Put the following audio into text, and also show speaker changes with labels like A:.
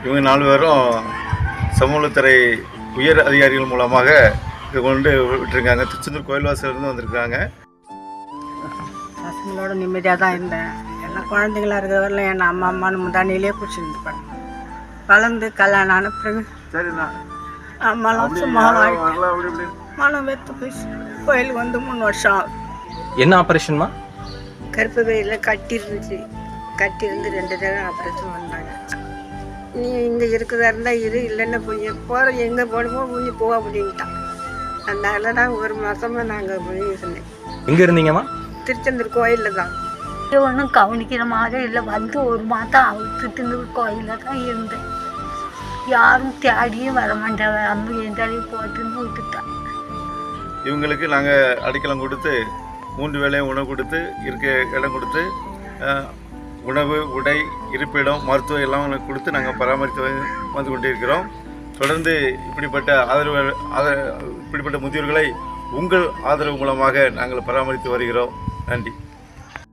A: இவங்க 4 பேரும் சமூகத்துறை உயர் அதிகாரிகள் மூலமாக இது கொண்டு விட்டுருக்காங்க. திருச்செந்தூர் கோயில்வாசலேருந்து வந்திருக்காங்க.
B: பசங்களோட நிம்மதியாக தான் இருந்தேன். எல்லாம் குழந்தைங்களா இருக்கிற வரல என் அம்மான்னு முந்தானிலே பிடிச்சிருந்துப்பாங்க. வளர்ந்து கல்யாணம் ஆன பிறகு
A: சரிண்ணா
B: அம்மாலாம் சும்மா மனம் வெத்து போய் கோயிலுக்கு வந்து 3 வருஷம் ஆகுது.
C: என்ன ஆப்ரேஷன்மா?
B: கருப்பு வெயிலில் கட்டிருந்து 2 தடவை ஆப்ரேஷன் பண்ணாங்க. நீ இங்கே இருக்கிறதா இருந்தால் இல்லைன்னா போய் போகிற எங்கே போகணுமோ நீ போக அப்படின்ட்டான். அதனால தான் 1 மாதமாக நாங்கள் போய் இருந்தேன்.
C: எங்கே இருந்தீங்கம்மா?
B: திருச்செந்தூர் கோயிலில் தான்.
D: ஒன்றும் கவனிக்கிற மாதிரி இல்லை. வந்து 1 மாதம் திருச்செந்தூர் கோயிலில் தான் இருந்தேன். யாரும் தேடியும் வர மாட்டாங்க. அம்மா எந்தாலையும் போட்டுன்னு விட்டுட்டேன்.
A: இவங்களுக்கு நாங்கள் அடைக்கலம் கொடுத்து 3 வேளையும் உணவு கொடுத்து இருக்க இடம் கொடுத்து உணவு, உடை, இருப்பிடம், மருத்துவம் எல்லாம் கொடுத்து நாங்கள் பராமரித்து வந்து கொண்டிருக்கிறோம். தொடர்ந்து இப்படிப்பட்ட முதியோர்களை உங்கள் ஆதரவு மூலமாக நாங்கள் பராமரித்து வருகிறோம். நன்றி.